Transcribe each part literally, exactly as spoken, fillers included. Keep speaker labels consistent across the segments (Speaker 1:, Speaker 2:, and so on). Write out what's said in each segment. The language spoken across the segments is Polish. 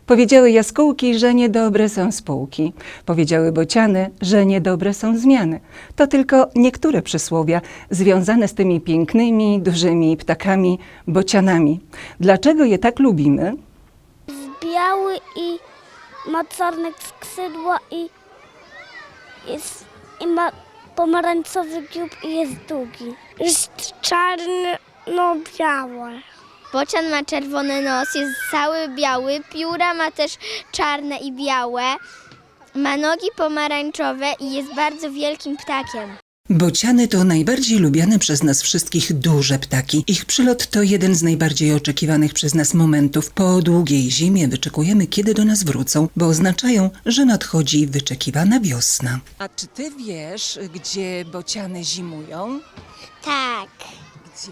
Speaker 1: Powiedziały jaskółki, że niedobre są spółki. Powiedziały bociany, że niedobre są zmiany. To tylko niektóre przysłowia związane z tymi pięknymi, dużymi ptakami, bocianami. Dlaczego je tak lubimy?
Speaker 2: Jest biały i ma czarne skrzydła i, jest, i ma pomarańczowy dziób i jest długi. Jest czarno-biały.
Speaker 3: Bocian ma czerwony nos, jest cały biały, pióra ma też czarne i białe, ma nogi pomarańczowe i jest bardzo wielkim ptakiem.
Speaker 1: Bociany to najbardziej lubiane przez nas wszystkich duże ptaki. Ich przylot to jeden z najbardziej oczekiwanych przez nas momentów. Po długiej zimie wyczekujemy, kiedy do nas wrócą, bo oznaczają, że nadchodzi wyczekiwana wiosna. A czy ty wiesz, gdzie bociany zimują?
Speaker 2: Tak,
Speaker 1: Gdzie?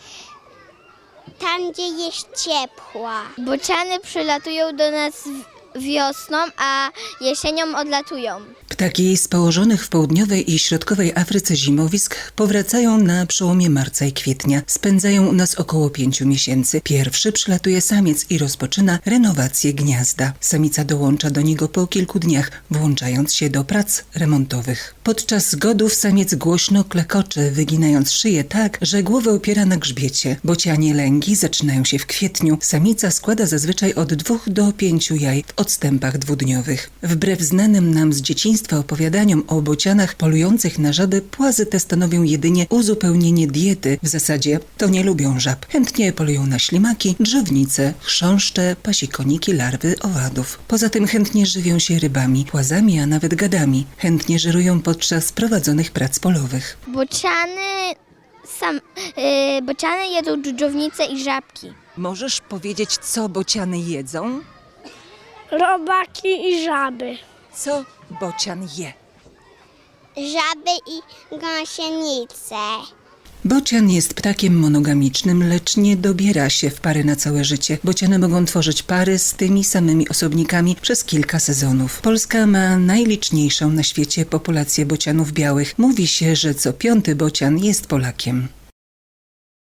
Speaker 2: tam gdzie jest ciepła.
Speaker 3: Bociany przylatują do nas wiosną, a jesienią odlatują.
Speaker 1: Ptaki z położonych w południowej i środkowej Afryce zimowisk powracają na przełomie marca i kwietnia. Spędzają u nas około pięciu miesięcy. Pierwszy przylatuje samiec i rozpoczyna renowację gniazda. Samica dołącza do niego po kilku dniach, włączając się do prac remontowych. Podczas zgodów samiec głośno klekocze, wyginając szyję tak, że głowę opiera na grzbiecie. Bocianie lęgi zaczynają się w kwietniu. Samica składa zazwyczaj od dwóch do pięciu jaj w odstępach dwudniowych. Wbrew znanym nam z dzieciństwa opowiadaniom o bocianach polujących na żaby, płazy te stanowią jedynie uzupełnienie diety. W zasadzie to nie lubią żab. Chętnie polują na ślimaki, drzewnice, chrząszcze, pasikoniki, larwy, owadów. Poza tym chętnie żywią się rybami, płazami, a nawet gadami. Chętnie żerują podczas prowadzonych prac polowych.
Speaker 3: Bociany, sam, yy, bociany jedzą dżdżownice i żabki.
Speaker 1: Możesz powiedzieć, co bociany jedzą?
Speaker 2: Robaki i żaby.
Speaker 1: Co bocian je?
Speaker 2: Żaby i gąsienice.
Speaker 1: Bocian jest ptakiem monogamicznym, lecz nie dobiera się w pary na całe życie. Bociany mogą tworzyć pary z tymi samymi osobnikami przez kilka sezonów. Polska ma najliczniejszą na świecie populację bocianów białych. Mówi się, że co piąty bocian jest Polakiem.